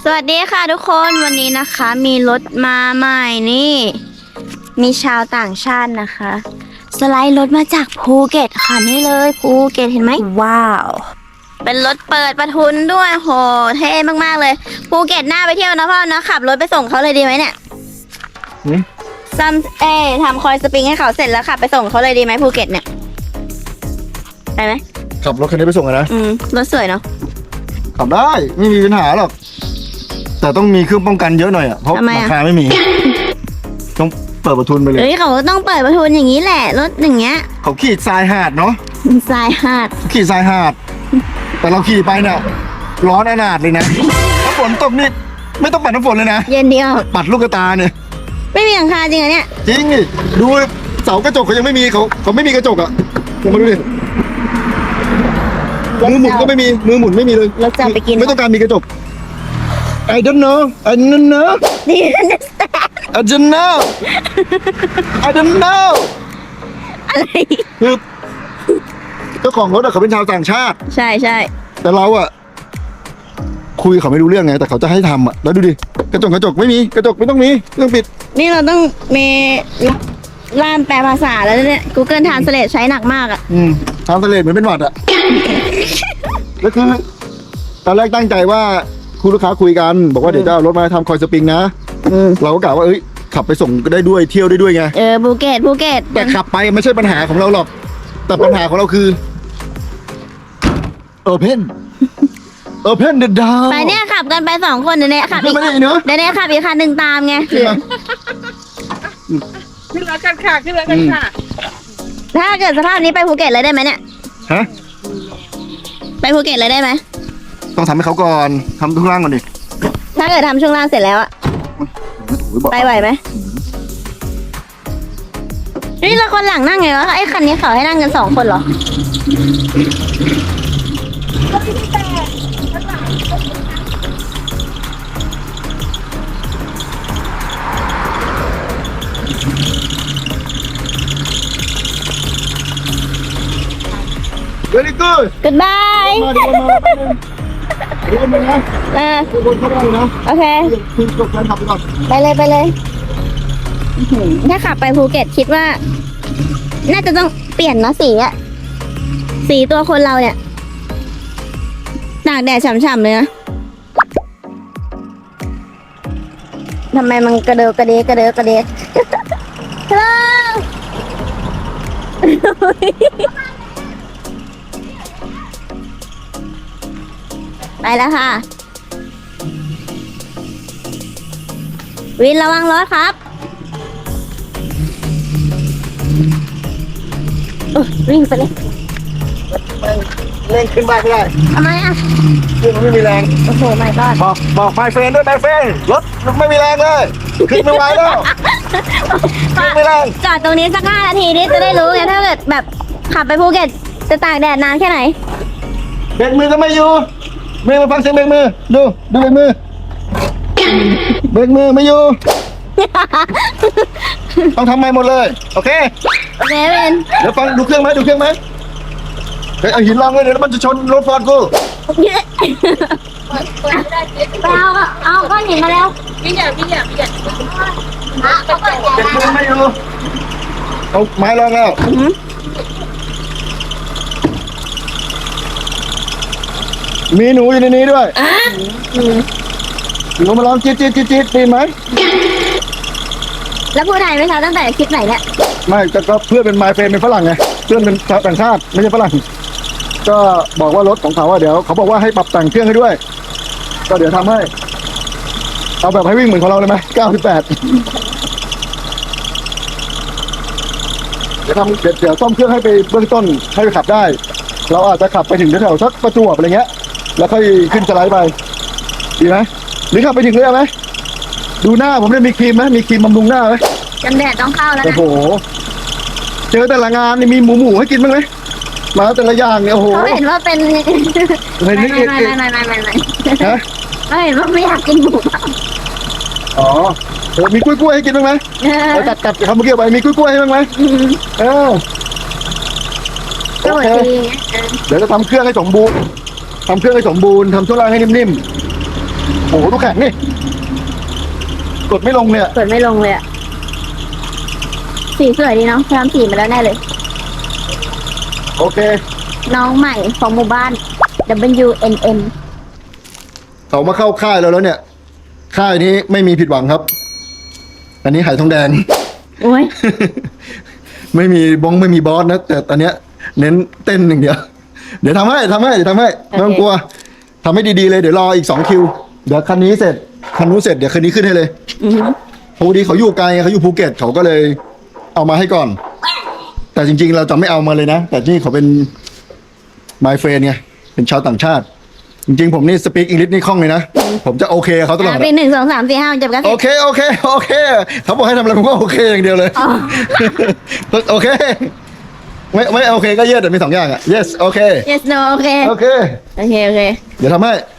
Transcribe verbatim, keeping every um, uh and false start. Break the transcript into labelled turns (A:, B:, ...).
A: สวัสดีค่ะทุกคนวันนี้นะคะมีรถมาใหม่นี่มีชาวต่างชาตินะคะสไลด์รถมาจากภูเก็ตค่ะนี่เลยภูเก็ตเห็นไหมว้าวเป็นรถเปิดประทุนด้วยโหเท่มากๆเลยภูเก็ตน่าไปเที่ยวนะพ่อนะขับรถไปส่งเขาเลยดีไหมเนี่ยซัมเอทำคอยสปริงให้เขาเสร็จแล้วขับไปส่งเขาเลยดีไหมภูเก็ตเนี่ยไปไหม
B: ขับรถคันนี้ไปส่งนะ
A: อืมรถสวยเนาะ
B: ขับได้ไม่มีปัญหาหรอกแต่ต้องมีเครื่องป้องกันเยอะหน่อยอ่ะเพราะราคาไม่มีต้องเปิดประทุนไปเลย
A: เฮ้ยเขาต้องเปิดประทุนอย่างนี้แหละรถอย่างเงี้ย
B: เขาขี่ทรายหาดเนาะ
A: ทรายหาด
B: ขี่ทรายหาดแต่เราขี่ไปเนี่ยร้อนอนาถเลยนะถ้าฝนตกนี่ไม่ต้องปัดน้ำฝนเลยนะ
A: เย็นเดียว
B: ปัดลูกกระตาเนี่ย
A: ไม่มีหลังคาจริงเหรอเนี่ย
B: จริงดิดูเสากระจกเขายังไม่มีเขาเขาไม่มีกระจกอ่ะลองมาดูดิมือหมุนก็ไม่มีมือหมุนไม่มีเลย
A: เราจะไปกิน
B: ไม่ต้องการมีกระจกI don't know I don't know I don't know I don't know
A: อะไร
B: คือเจ้าของรถอะเขาเป็นชาวต่างชาติ
A: ใช่ใช่
B: แต่เราอะคุยเขาไม่รู้เรื่องไงแต่เขาจะให้ทำอะแล้วดูดิกระจกกระจกไม่มีกระจกไม่ต้องมีเครื่องปิด
A: นี่เราต้องมีล่ามแปลภาษาแล้วเนี่ย Google Translate ใช้หนักมากอะ
B: อืมทำทะเลเหมือนเป็นหวัดอะแล้วคือตอนแรกตั้งใจว่าคุณลูกค้าคุยกันบอกว่าเดี๋ยวจะเอารถมาทำคอยสปริงนะเราก็กล่าวว่าเอ้ยขับไปส่งก็ได้ด้วยเที่ยวได้ด้วยไง
A: เออภูเก็ตภูเก็ต
B: แต่ขับไปไม่ใช่ปัญหาของเราหรอกแต่ปัญหาของเราคือ Open Open the door
A: ไปเนี่ยขับกันไปสองคนเดี๋ยวนี้ขับอีกเดี๋ยวนี้ขับอีกคันหนึ่งตามไง
C: ขึ้นรถกันค่ะขึ้นรถกันค่ะ
A: ถ้าเกิดสภาพนี้ไปภูเก็ตเลยได้ไหมเนี่ย
B: ฮะ
A: ไปภูเก็ตเลยได้ไหม
B: ต้องทำให้เขาก่อนทำทุกร่างก่อนดิ
A: ถ้าเกิดทำช่วงล่างเสร็จแล้วอะไปไหวไหมนี่แล้วคนหลังนั่งไงวะไอ้คันนี้เขาให้นั่งกันสองคนเหรอ
B: Very good
A: Goodbye
B: มาดีกว่ามาดีกว่ามานะ
A: เออ
B: คนเข้าไปนะ
A: โอเค
B: คือจบการขับไปก่อน
A: ไปเลยไปเลยถ้าขับไปภูเก็ตคิดว่าน่าจะต้องเปลี่ยนเนาะสีอะสีตัวคนเราเนี่ยตากแดดฉ่ำๆเลยนะทำไมมันกระเดกกระเดกกระเดกกระเดกฮัลโหลไปแล้วค่ะวินระวังรถครับวิ่งไปเลย
B: เร่งขึ้นบ้านไม่ได้
A: ทำไมอ่ะ
B: เครื่องไม่มีแรง
A: โอ้โหไม่ก็
B: บอกบอกไฟเฟรนด้วยไฟเฟรนรถไม่มีแรงเลยขึ้นไม่ไหวแล้วขึ้นไม่แรง
A: จอดตรงนี้สักห้านาทีนี้จะได้รู้ไงถ้าเกิดแบบขับไปภูเก็ตจะตากแดดนานแค่ไหน
B: เบรกมือก็ไม่อยู่เบรกมาฟังเสียงเบรกมือดูดูเบรกมือเบรกมือไม่อยู่ต้องทำใหม่หมดเลยโอเค
A: โอเคเป็น
B: เดี๋ยวฟังดูเครื่องไหมดูเครื่องไหมเฮ้ยเอาหินรองเลยเดี๋ยวมันจะชนรถฟอร์ดกู
A: ไปเอาเอาก้อนหินมาแล้ว
C: พี่ใหญ่พี่ใหญ่พี่ใหญ่
A: เอาก้อนหิน
B: เบรกมือไม่อยู่เอาไม้รองแล้วมีหนูอยู่ในนี้ด้วยหนูมาลองจี๊ดจี๊ดจี๊ดจี๊ดดีไหม
A: แล้วพูดไทยไหมคะตั้งแต่คลิปไหนเนี่ย
B: ไม่แต่ก็เพื่อนเป็นไมเฟรนเป็นฝรั่งไงเพื่อนเป็นชาวต่างชาติไม่ใช่ฝรั่งก็บอกว่ารถของเขาว่าเดี๋ยวเขาบอกว่าให้ปรับแต่งเครื่องให้ด้วยก็เดี๋ยวทำให้เอาแบบให้วิ่งเหมือนของเราเลยไหมเก้าสิบแปดเดี๋ยวทำเดี๋ยวเดี๋ยวซ่อมเครื่องให้ไปเบื้องต้นให้ไปขับได้เราอาจจะขับไปถึงแถวๆสักประจวบอะไรเงี้ยแล้วค่อยขึ้นสไลด์ไปดีไหมหรือขับไปถึงเรือไหมดูหน้าผมเนี่ยมีครีมไหมมีครีมบำรุงหน้าไหม
A: กันแดดต้องเข้าแล้วนะ
B: โอ้โหเจอแต่ละงานนี่มีหมูหมูให้กินบ้างไหมมาแต่ละอย่างเนี่ยโอ้โห
A: เขาเห็นว่าเป็น
B: ไม่ไม่
A: ไม่ไม่ไม่ไม่ไม่
B: ฮะ
A: เขาเห็นว่าไม่อยากกินหมู
B: อ๋อเออมีกล้วยกล้วยให้กินบ้างไหมเราตัดตัดคำเมื่อกี้ไปมีกล้วยกล้วยให้บ้างไหมเออโอเคเดี๋ยวจะทำเครื่องให้สมบูรณ์ทำเครื่องให้สมบูรณ์ทำช่วงล่างให้นิ่มๆโอ้โหดูแข็งนี่กดไม่ลงเนี่ย
A: เปิดไม่ลงเลยอะสีสวยดีเนาะทำสีมาแล้วแน่เลย
B: โอเค
A: น้องใหม่ของหมู่บ้าน W N M
B: เขามาเข้าค่ายเราแล้วเนี่ย ค่ายนี้ไม่มีผิดหวังครับ อันนี้ไหทองแดง
A: โอ้ย
B: ไม่มีบงไม่มีบอสนะ แต่ตอนเนี้ย เน้นเต้นอย่างเดียว เดี๋ยวทำให้ทำให้เดี๋ยวทำให้ไม่ต้องกลัวทำให้ดีๆเลยเดี๋ยวรออีกสองคิว เดี๋ยวคันนี้เสร็จคันนู้นเสร็จเดี๋ยวคันนี้ขึ้นให้เลย
A: อือหือ
B: พอดีเขาอยู่ไกลเขาอยู่ภูเก็ตเขาก็เลยเอามาให้ก่อน แต่จริงๆเราจะไม่เอามาเลยนะ แต่นี่เขาเป็น my friend ไงเป็นชาวต่างชาติ จริงๆผมนี่สปีกอังกฤษนี่คล่องเลยนะ ผมจะโอเคกับเขาตลอด
A: อ่ะ
B: อะ
A: เป็นหนึ่งสองสามสี่ห้าจบกัน
B: โอเคโอเคโอเคเขาบอกให้ทำอะไรผมก็โอเคอย่างเดียวเลย
A: อ๋อ
B: โอเคไม่ไม่โอเคก็ yes แต่มีสองอย่างอ่ะ yes โอเค
A: yes no โอเค
B: โอเค
A: โอเคโอเค
B: เดี๋ยวทำให้